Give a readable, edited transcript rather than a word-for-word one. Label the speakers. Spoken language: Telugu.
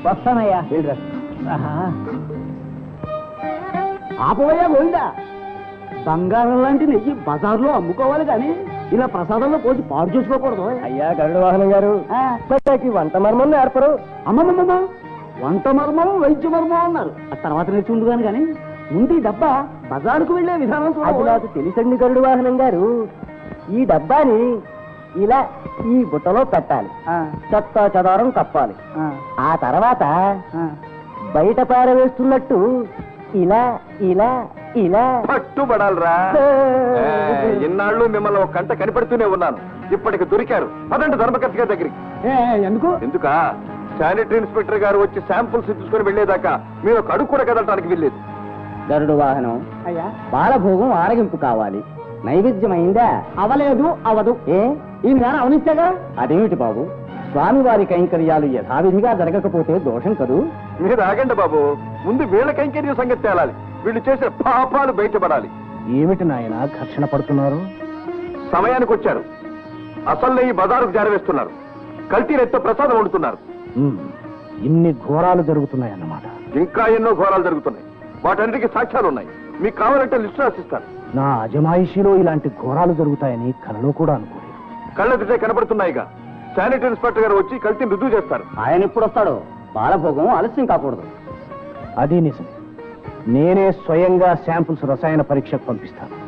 Speaker 1: వస్తానయ్యా. ఆపవయ్యా గోవిందా, బంగారం లాంటి నెయ్యి బజార్లో అమ్ముకోవాలి కానీ ఇలా ప్రసాదంలో పోసి పాడు చేసుకోకూడదు.
Speaker 2: అయ్యా గరుడ వాహనం గారు, వంట మర్మం ఏర్పరు.
Speaker 1: అమ్మమ్మమ్మ, వంట మర్మం వైద్య మర్మం అన్నారు. ఆ తర్వాత నేర్చుకుంటున్నాను కానీ ముందు ఈ డబ్బా బజారుకు వెళ్లే విధానం
Speaker 2: అది నాకు తెలుసండి గరుడ వాహనం గారు. ఈ డబ్బాని ఇలా ఈ బుట్టలో పెట్టాలి, చెత్త చెదారం కప్పాలి. ఆ తర్వాత బయట పారవేస్తున్నట్టు ఇలా ఇలా ఇలా
Speaker 3: పట్టుబడాలరా. ఇన్నాళ్ళు మిమ్మల్ని ఒక గంట కనిపెడుతూనే ఉన్నాను, ఇప్పటికి దొరికారు. పదండి ధర్మకర్త గారి దగ్గరికి.
Speaker 1: ఎందుకు?
Speaker 3: ఎందుకా? శానిటరీ ఇన్స్పెక్టర్ గారు వచ్చి శాంపుల్స్ తీసుకుని వెళ్లేదాకా మీరు ఒక అడుగు కూడా కదలటానికి వెళ్ళలేదు.
Speaker 2: గరుడు వాహనం
Speaker 1: అయ్యా,
Speaker 2: బాలభోగం ఆరగింపు కావాలి. నైవేద్యమైందా?
Speaker 1: అవలేదు, అవదు. ఈ నేర అవనిస్తేగా.
Speaker 2: అదేమిటి బాబు, స్వామివారి కైంకర్యాలు యథావిధిగా జరగకపోతే దోషం కదూ.
Speaker 3: మీరు ఆగండి బాబు, ముందు వీళ్ళ కైంకర్య సంగతి తేలాలి. వీళ్ళు చేసిన పాపాలు బయటపడాలి.
Speaker 2: ఏమిటి నాయన ఘర్షణ పడుతున్నారు?
Speaker 3: సమయానికి వచ్చారు. అసలు నెయ్యి బజారుకు జారవేస్తున్నారు. కల్తీ నెత్తో ప్రసాదం వండుతున్నారు.
Speaker 2: ఇన్ని ఘోరాలు జరుగుతున్నాయన్నమాట.
Speaker 3: ఇంకా ఎన్నో ఘోరాలు జరుగుతున్నాయి. వాటన్నిటికీ సాక్ష్యాలు ఉన్నాయి. మీకు కావాలంటే లిస్టు రాసిస్తాను.
Speaker 2: నా అజమాయిషీలో ఇలాంటి ఘోరాలు జరుగుతాయని కలలో కూడా అనుకోలేదు.
Speaker 3: కళ్ళెదుటే కనబడుతున్నాయిగా. శానిటరీ ఇన్స్పెక్టర్ గారు వచ్చి కల్తీని రుజువు చేస్తారు.
Speaker 1: ఆయన ఎప్పుడు వస్తాడో? బాలభోగం ఆలస్యం కాకూడదు.
Speaker 2: అది నిజం. నేనే స్వయంగా శాంపుల్స్ రసాయన పరీక్షకు పంపిస్తాను.